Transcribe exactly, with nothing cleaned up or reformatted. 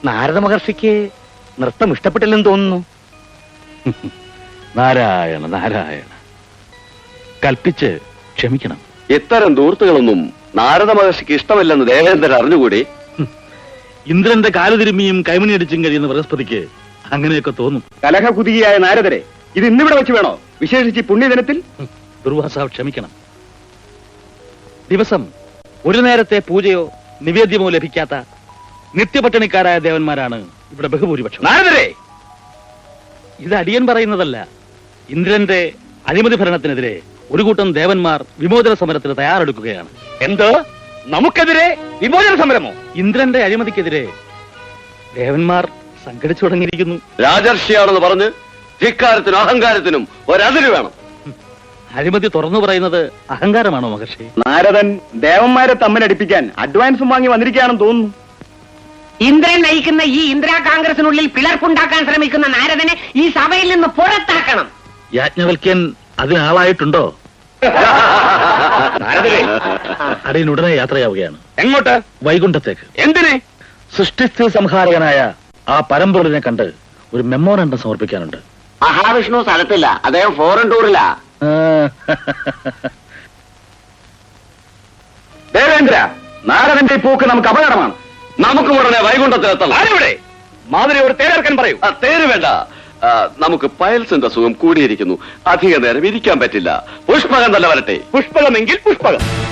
നാരദ മഹർഷിക്ക് നൃത്തം ഇഷ്ടപ്പെട്ടില്ലെന്ന് തോന്നുന്നു. നാരായണ നാരായണ, കൽപ്പിച്ച് ക്ഷമിക്കണം. ഇത്തരം ദൂർത്തുകളൊന്നും നാരദ മഹർഷിക്ക് ഇഷ്ടമല്ലെന്ന് ദേവേന്ദ്രൻ അറിഞ്ഞുകൂടി. ഇന്ദ്രന്റെ കാലുതിരുമ്മിയും കൈമണിയടിച്ചും കഴിയുന്ന ബൃഹസ്പതിക്ക് അങ്ങനെയൊക്കെ തോന്നും. കലഹകുതിയായ നാരദരെ ഇത് ഇന്നിവിടെ വെച്ച് വേണോ, വിശേഷിച്ച് പുണ്യദിനത്തിൽ? ദുർവാസാവ് ക്ഷമിക്കണം. ദിവസം ഒരു നേരത്തെ പൂജയോ നിവേദ്യമോ ലഭിക്കാത്ത നിത്യപട്ടിണിക്കാരായ ദേവന്മാരാണ് ഇവിടെ ബഹുഭൂരിപക്ഷം. നാരദരെ, ഇത് അടിയൻ പറയുന്നതല്ല. ഇന്ദ്രന്റെ അഴിമതി ഭരണത്തിനെതിരെ ഒരു കൂട്ടം ദേവന്മാർ വിമോചന സമരത്തിന് തയ്യാറെടുക്കുകയാണ്. എന്തോ നമുക്കെതിരെ വിമോചന സമരമോ? ഇന്ദ്രന്റെ അഴിമതിക്കെതിരെ ദേവന്മാർ സംഘടിച്ചു തുടങ്ങിയിരിക്കുന്നു. രാജർഷിയാണെന്ന് പറഞ്ഞ് ധിക്കാരത്തിനും അഹങ്കാരത്തിനും ഒരതിര് വേണം. അഴിമതി തുറന്നു പറയുന്നത് അഹങ്കാരമാണോ മഹർഷി? നാരദൻ ദേവന്മാരെ തമ്മിലടിപ്പിക്കാൻ അഡ്വാൻസും വാങ്ങി വന്നിരിക്കുകയാണെന്ന് തോന്നുന്നു. ഇന്ദ്രൻ നയിക്കുന്ന ഈ ഇന്ദിരാ കോൺഗ്രസിനുള്ളിൽ പിളർപ്പുണ്ടാക്കാൻ ശ്രമിക്കുന്ന നാരദനെ ഈ സഭയിൽ നിന്ന് പുറത്താക്കണം. യാജ്ഞവൽക്യൻ അതിനാളായിട്ടുണ്ടോ? അടിയൻ ഉടനെ യാത്രയാവുകയാണ്. എങ്ങോട്ട്? വൈകുണ്ഠത്തേക്ക്. എന്തിനെ? സൃഷ്ടിസ്ഥിതി സംഹാരകനായ ആ പരമ്പൊരുളിനെ കണ്ട് ഒരു മെമ്മോറണ്ടം സമർപ്പിക്കാനുണ്ട്. മഹാവിഷ്ണു സ്ഥലത്തില്ല, അദ്ദേഹം ഫോറിൻ ടൂറിലാ. ദേവേന്ദ്ര, നാരദന്റെ പോക്ക് നമുക്ക് അപകടമാണ്. നമുക്ക് ഉടനെ വൈകുണ്ഠത്തിലെത്തണം. ആരെവിടെ? മാതിരി ഒരു തേരർക്കൻ പറയൂ. തേര് വേണ്ട, നമുക്ക് പയൽസിന്റെ സുഖം കൂടിയിരിക്കുന്നു. അധിക നേരം ഇരിക്കാൻ പറ്റില്ല. പുഷ്പകം തന്നെ വരട്ടെ. പുഷ്പകമെങ്കിൽ പുഷ്പകം.